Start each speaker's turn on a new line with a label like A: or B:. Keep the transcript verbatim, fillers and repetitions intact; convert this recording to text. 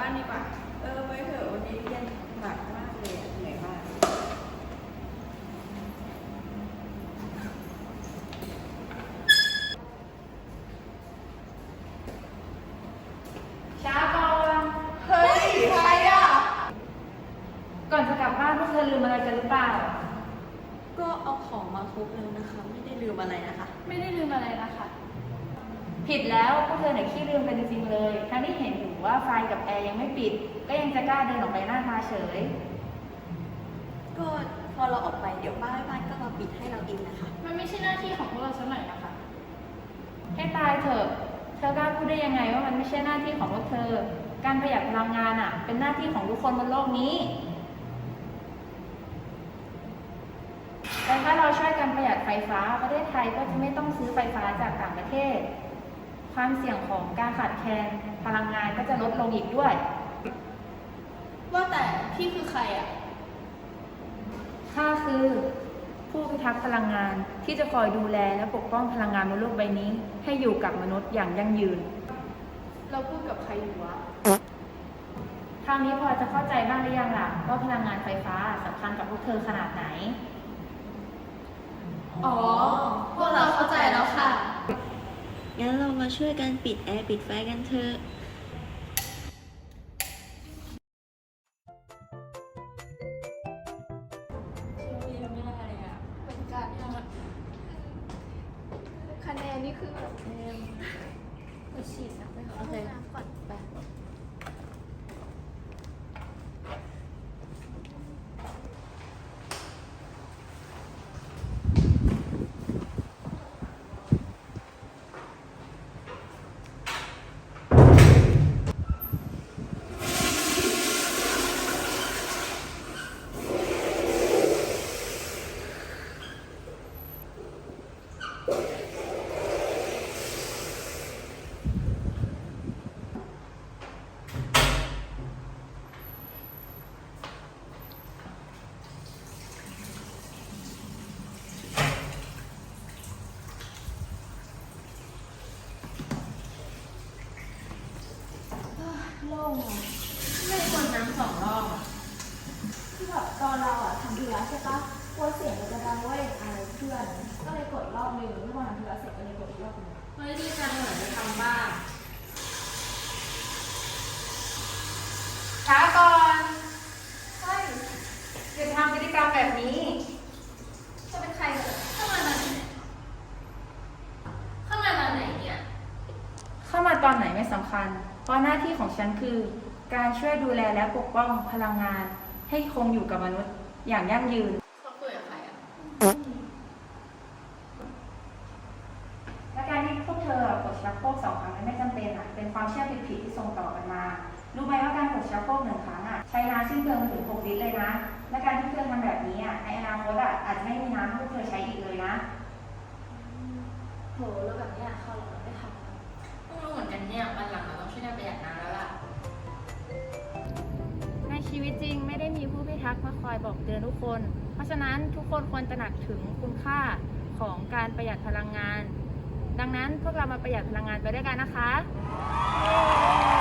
A: านดีกว่าเออไว้เถอะวันนี้เรียนหนักมากเลยเหนื่อยมาก
B: ช้าก่อน
A: เฮ้ยใครอ่ะ
B: ก่อนจะกลับบ้านพวกเธอลืมอะไรกันหรือเปล่า
A: ก็เอาของมาครบแล้วนะคะไม่ได้ลืมอะไรนะคะ
B: ไม่ได้ลืมอะไรนะคะ ผิดแล้วพวกเธอไหนขี้ลืมกันจริงๆเลย ทั้งที่เห็นอยู่ว่าไฟกับแอร์ยังไม่ปิด ก็ยังจะกล้าเดินออกไปหน้าตาเฉย
A: ก็พอเราออกไปเดี๋ยวป้าบ้านก็มาปิดให้เราเองนะคะ
B: มันไม่ใช่หน้าที่ของพวกเราสักหน่อยนะคะ ให้ตายเถอะ เธอกล้าพูดได้ยังไงว่ามันไม่ใช่หน้าที่ของพวกเธอ การประหยัดพลังงานอ่ะ เป็นหน้าที่ของทุกคนบนโลกนี้ แต่ถ้าเราช่วยกันประหยัดไฟฟ้าประเทศไทยก็จะไม่ต้องซื้อไฟฟ้าจากต่างประเทศ ความเสี่ยงของการขาดแคลนพลังงานก็จะลดลงอีกด้วย
A: ว่าแต่พี่คือใครอ่ะ
B: ข้าคือผู้พิทักษ์พลังงานที่จะคอยดูแลและปกป้องพลังงานบนโลกใบนี้ ให้อยู่กับมนุษย์อย่างยั่งยืน
A: เราพูดกับใครอยู่วะ
B: คราวนี้พอจะเข้าใจบ้างหรือยังล่ะว่าพลังงานไฟฟ้าสำคัญกับพวกเธอขนาดไหน
A: อ๋อ พวกเราเข้าใจแล้วค่ะ
C: งั้นเรามาช่วยกันปิดแอร์ปิดไฟกันเถอะ
A: คะแนนนี่คือแบบแนนไปฉีดนะไปขอห้องน้ำก่อนไปโล่งอ่ะไม่ได้กดน้ำสองรอบอ่ะคือแบบตอนเราอ่ะทำธุระใช่ปะกลัวเสียงมันจะดังเว้ยอายเพื่อน ก็เลยกดรอบนึงเมื่อวานทำธุระเสร็จก็เลยกดอีกรอบนึงเฮ้ยดีจังเหมือนจะทำบ้างช้าก่อนใช่อย่าทำพฤติกรรมแบบนี้จะเป็นใครเหรอเข้ามาตอนไหนเข้ามาตอนไหนเนี่ยเข้ามาตอนไหนไม่สำคัญ เพราะหน้าที่ของฉันคือการช่วยดูแลและปกป้องพลังงานให้คงอยู่กับมนุษย์อย่างยั่งยืนเขาคุยกับใครอ่ะและการที่พวกเธอกดชักโครกสองครั้งนั้นไม่จำเป็นอ่ะเป็นความเชื่อผิดๆที่ส่งต่อกันมารู้ไหมว่าการกดชักโครกหนึ่งครั้งอ่ะใช้น้ำสิ้นเปลืองถึงหกลิตรเลยนะและการที่เธอทำแบบนี้อ่ะในอนาคตอ่ะอาจจะไม่มีน้ำให้พวกเธอใช้อีกเลยนะโหแล้วแบบนี้เขาเราไม่ทำต้องรู้เหมือนกันเนี่ยวันหลังเราต้องช่วยกันประหยัดน้ำแล้วล่ะในชีวิตจริงไม่ได้มีผู้พิทักษ์มาคอยบอกเตือนทุกคน เพราะฉะนั้นทุกคนควรตระหนักถึงคุณค่าของการประหยัดพลังงาน ดังนั้นพวกเรามาประหยัดพลังงานไปด้วยกันนะคะ